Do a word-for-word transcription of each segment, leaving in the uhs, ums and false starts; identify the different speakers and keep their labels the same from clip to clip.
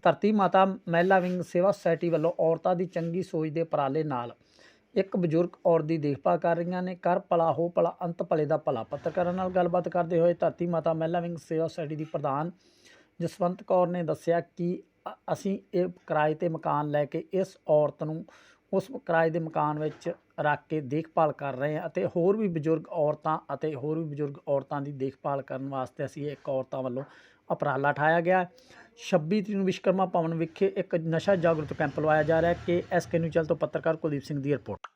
Speaker 1: ਧਰਤੀ ਮਾਤਾ ਮਹਿਲਾ ਵਿੰਗ ਸੇਵਾ ਸੁਸਾਇਟੀ ਵੱਲੋਂ ਔਰਤਾਂ ਦੀ ਚੰਗੀ ਸੋਚ ਦੇ ਉਪਰਾਲੇ ਨਾਲ ਇੱਕ ਬਜ਼ੁਰਗ ਔਰਤ ਦੀ ਦੇਖਭਾਲ ਕਰ ਰਹੀਆਂ ਨੇ। ਕਰ ਭਲਾ ਹੋ ਭਲਾ ਅੰਤ ਭਲੇ ਦਾ ਭਲਾ। ਪੱਤਰਕਾਰਾਂ ਨਾਲ ਗੱਲਬਾਤ ਕਰਦੇ ਹੋਏ ਧਰਤੀ ਮਾਤਾ ਮਹਿਲਾ ਵਿੰਗ ਸੇਵਾ ਸੁਸਾਇਟੀ ਦੀ ਪ੍ਰਧਾਨ ਜਸਵੰਤ ਕੌਰ ਨੇ ਦੱਸਿਆ ਕਿ ਅਸੀਂ ਇਹ ਕਿਰਾਏ 'ਤੇ ਮਕਾਨ ਲੈ ਕੇ ਇਸ ਔਰਤ ਨੂੰ ਉਸ ਕਿਰਾਏ ਦੇ ਮਕਾਨ ਵਿੱਚ ਰੱਖ ਕੇ ਦੇਖਭਾਲ ਕਰ ਰਹੇ ਹਾਂ ਅਤੇ ਹੋਰ ਵੀ ਬਜ਼ੁਰਗ ਔਰਤਾਂ ਅਤੇ ਹੋਰ ਵੀ ਬਜ਼ੁਰਗ ਔਰਤਾਂ ਦੀ ਦੇਖਭਾਲ ਕਰਨ ਵਾਸਤੇ ਅਸੀਂ ਇੱਕ ਔਰਤਾਂ ਵੱਲੋਂ ਉਪਰਾਲਾ ਉਠਾਇਆ ਗਿਆ। ਛੱਬੀ ਤਰੀਕ ਨੂੰ ਵਿਸ਼ਵਕਰਮਾ ਭਵਨ ਵਿਖੇ ਇੱਕ ਨਸ਼ਾ ਜਾਗਰੂਕ ਕੈਂਪ ਲਵਾਇਆ ਜਾ ਰਿਹਾ ਹੈ। ਕਿ ਐਸ ਕੇ ਨਿਊਜ਼ ਚੈਨਲ ਤੋਂ ਪੱਤਰਕਾਰ ਕੁਲਦੀਪ ਸਿੰਘ ਦੀ ਰਿਪੋਰਟ।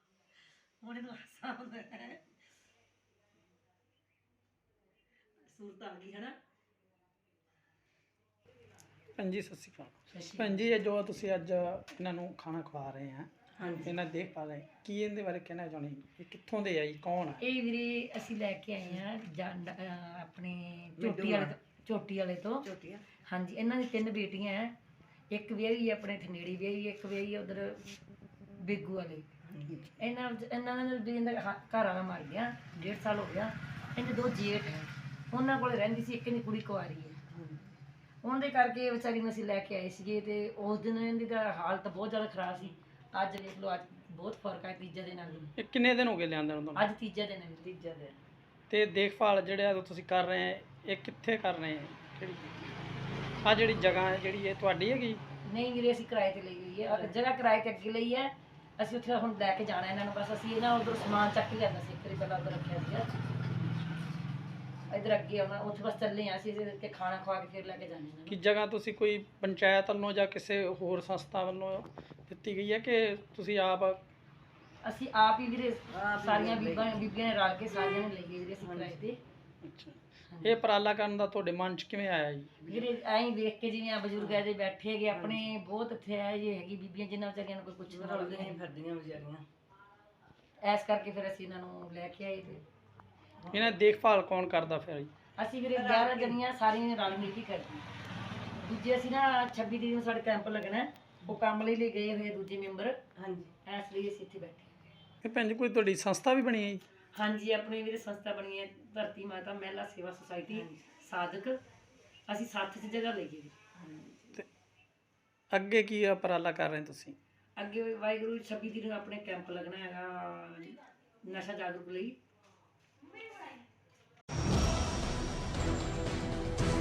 Speaker 1: ਭੈਣ ਜੀ ਸਤਿ ਸ਼੍ਰੀ ਅਕਾਲ। ਭੈਣ ਜੀ ਇਹ ਜੋ ਤੁਸੀਂ ਅੱਜ ਇਹਨਾਂ ਨੂੰ ਖਾਣਾ ਖਵਾ ਰਹੇ ਆ, ਇਹਨਾਂ ਦੀ ਦੇਖਭਾਲ ਹੈ, ਕੀ ਇਹਦੇ ਬਾਰੇ ਕਹਿਣਾ ਚਾਹੁੰਦੇ? ਇਹ ਕਿੱਥੋਂ ਦੇ ਆ ਜੀ, ਕੌਣ ਆ?
Speaker 2: ਇਹ ਵੀਰੇ ਅਸੀਂ ਲੈ ਕੇ ਆਏ ਆ ਜੰਡ ਆਪਣੇ ਚੋਟੀ ਵਾਲੇ ਚੋਟੀ ਵਾਲੇ ਤੋਂ। ਹਾਂਜੀ, ਇਹਨਾਂ ਦੀ ਤਿੰਨ ਬੇਟੀਆਂ ਹੈ। ਇੱਕ ਵਿਆਹੀ ਆਪਣੇ ਥਨੇੜੀ ਵਿਆਹੀ, ਇੱਕ ਵਿਆਹੀ ਉਧਰ ਬੇਗੂ ਵਾਲੇ। ਇਹਨਾਂ ਇਹਨਾਂ ਦੇ ਘਰ ਵਾਲਾ ਮਰ ਗਿਆ, ਡੇਢ ਸਾਲ ਹੋ ਗਿਆ। ਇਹਦੇ ਦੋ ਜੇਠ ਹੈ, ਉਹਨਾਂ ਕੋਲ ਰਹਿੰਦੀ ਸੀ। ਇੱਕ ਦੀ ਕੁੜੀ ਕੁਆਰੀ ਹੈ, ਉਹਦੇ ਕਰਕੇ ਵਿਚਾਰੀ ਨੂੰ ਅਸੀਂ ਲੈ ਕੇ ਆਏ ਸੀਗੇ। ਤੇ ਉਸ ਦਿਨ ਇਹਦੀ ਤਾਂ ਹਾਲਤ ਬਹੁਤ ਜ਼ਿਆਦਾ ਖਰਾਬ ਸੀ। ਅੱਜ ਦੇਖ ਲਓ, ਅੱਜ ਬਹੁਤ ਫਰਕ ਹੈ ਤੀਜੇ ਦਿਨ ਨਾਲ।
Speaker 1: ਇਹ ਕਿੰਨੇ ਦਿਨ ਹੋ ਗਏ ਲਿਆਂਦੇ ਨੂੰ ਤੁਹਾਨੂੰ?
Speaker 2: ਅੱਜ ਤੀਜਾ ਦਿਨ ਹੈ। ਤੀਜਾ ਦਿਨ।
Speaker 1: ਤੇ ਦੇਖਭਾਲ ਜਿਹੜਾ ਤੁਸੀਂ ਕਰ ਰਹੇ ਆ, ਇਹ ਕਿੱਥੇ ਕਰ ਰਹੇ ਆ? ਕਿਹੜੀ ਆ ਜਿਹੜੀ ਜਗ੍ਹਾ ਹੈ ਜਿਹੜੀ ਇਹ ਤੁਹਾਡੀ ਹੈਗੀ?
Speaker 2: ਨਹੀਂ ਵੀਰੇ, ਅਸੀਂ ਕਿਰਾਏ ਤੇ ਲਈ ਹੋਈ ਹੈ। ਜਗ੍ਹਾ ਕਿਰਾਏ ਤੇ ਅੱਗੇ ਲਈ ਹੈ। ਅਸੀਂ ਉੱਥੇ ਹੁਣ ਲੈ ਕੇ ਜਾਣਾ ਇਹਨਾਂ ਨੂੰ। ਬਸ ਅਸੀਂ ਇਹਨਾਂ ਉਧਰ ਸਮਾਨ ਚੱਕ ਕੇ ਲਿਆਂਦਾ ਸੀ। ਇੱਕ ਵਾਰੀ ਪਹਿਲਾਂ ਉੱਧਰ ਰੱਖਿਆ ਸੀ, ਇੱਧਰ ਅੱਗੇ ਆਉਣਾ। ਉੱਥੇ ਬਸ ਚੱਲੇ ਹਾਂ ਅਸੀਂ ਤੇ ਖਾਣਾ ਖਵਾ ਕੇ ਫਿਰ ਲੈ ਕੇ ਜਾਣਾ ਇਹਨਾਂ ਨੂੰ।
Speaker 1: ਕਿ ਜਗ੍ਹਾ ਤੁਸੀਂ ਕੋਈ ਪੰਚਾਇਤ ਵੱਲੋਂ ਜਾਂ ਕਿਸੇ ਹੋਰ ਸੰਸਥਾ ਵੱਲੋਂ ਦਿੱਤੀ ਗਈ ਹੈ ਕਿ ਤੁਸੀਂ ਆਪ?
Speaker 2: ਅਸੀਂ ਆਪ ਹੀ ਵੀਰੇ, ਸਾਰੀਆਂ ਬੀਬੀਆਂ ਬੀਬੀਆਂ ਨੇ ਰਲ ਕੇ ਸਾਰੀਆਂ ਨੇ ਲਈ ਹੈ ਵੀਰੇ ਅਸੀਂ ਕਿਰਾਏ ਤੇ।
Speaker 1: ਅੱਛਾ, ਇਹ ਉਪਰਾਲਾ ਕਰਨ ਦਾ ਤੁਹਾਡੇ ਮਨ 'ਚ ਕਿਵੇਂ ਆਇਆ ਜੀ?
Speaker 2: ਵੀਰੇ ਐਂ ਵੇਖ ਕੇ ਜਿਵੇਂ ਆ ਬਜ਼ੁਰਗ ਇਹਦੇ ਬੈਠੇ ਹੈਗੇ ਆਪਣੇ, ਬਹੁਤ ਇੱਥੇ ਆ ਜੇ ਹੈਗੀ ਬੀਬੀਆਂ ਜਿਨ੍ਹਾਂ ਵਿਚਾਰੀਆਂ ਨੂੰ ਕੋਈ ਪੁੱਛਣਾ ਨਹੀਂ ਫਿਰਦੀਆਂ ਵਿਚਾਰੀਆਂ। ਐਸ ਕਰਕੇ ਫਿਰ ਅਸੀਂ ਇਹਨਾਂ ਨੂੰ ਲੈ ਕੇ ਆਏ। ਤੇ
Speaker 1: ਇਹਨਾਂ ਦੀ ਦੇਖਭਾਲ ਕੌਣ ਕਰਦਾ ਫਿਰ ਜੀ?
Speaker 2: ਅਸੀਂ ਵੀਰੇ ਗਿਆਰਾਂ ਜਣੀਆਂ ਸਾਰੀਆਂ ਰਲ ਮਿਲ ਕੇ ਕਰਦੀਆਂ। ਦੂਜੇ ਅਸੀਂ ਨਾ ਛੱਬੀ ਤਰੀਕ ਨੂੰ ਸਾਡੇ ਕੈਂਪ ਲੱਗਣਾ, ਉਹ ਕੰਮ ਲਈ ਲਈ ਗਏ ਹੋਏ ਦੂਜੇ ਮੈਂਬਰ। ਹਾਂਜੀ, ਇਸ ਲਈ ਅਸੀਂ ਇੱਥੇ ਬੈਠੇ।
Speaker 1: ਇਹ ਭੈਣ ਜੀ ਕੋਈ ਤੁਹਾਡੀ ਸੰਸਥਾ ਵੀ ਬਣੀ ਹੈ ਜੀ?
Speaker 2: ਹਾਂਜੀ, ਆਪਣੀ ਵੀਰੇ ਸੰਸਥਾ ਬਣੀ ਹੈ ਧਰਤੀ ਮਾਤਾ ਮਹਿਲਾ ਸੇਵਾ ਸੁਸਾਇਟੀ ਸਾਧਕ। ਅਸੀਂ ਸੱਤ ਚ ਜਗ੍ਹਾ ਲਈ ਹੈ।
Speaker 1: ਤੇ ਅੱਗੇ ਕੀ ਉਪਰਾਲਾ ਕਰ ਰਹੇ ਤੁਸੀਂ?
Speaker 2: ਅੱਗੇ ਵਾਹਿਗੁਰੂ ਛੱਬੀ ਤਰੀਕ ਨੂੰ ਆਪਣੇ ਕੈਂਪ ਲੱਗਣਾ ਹੈਗਾ ਨਸ਼ਾ ਜਾਗਰੂਕ ਲਈ।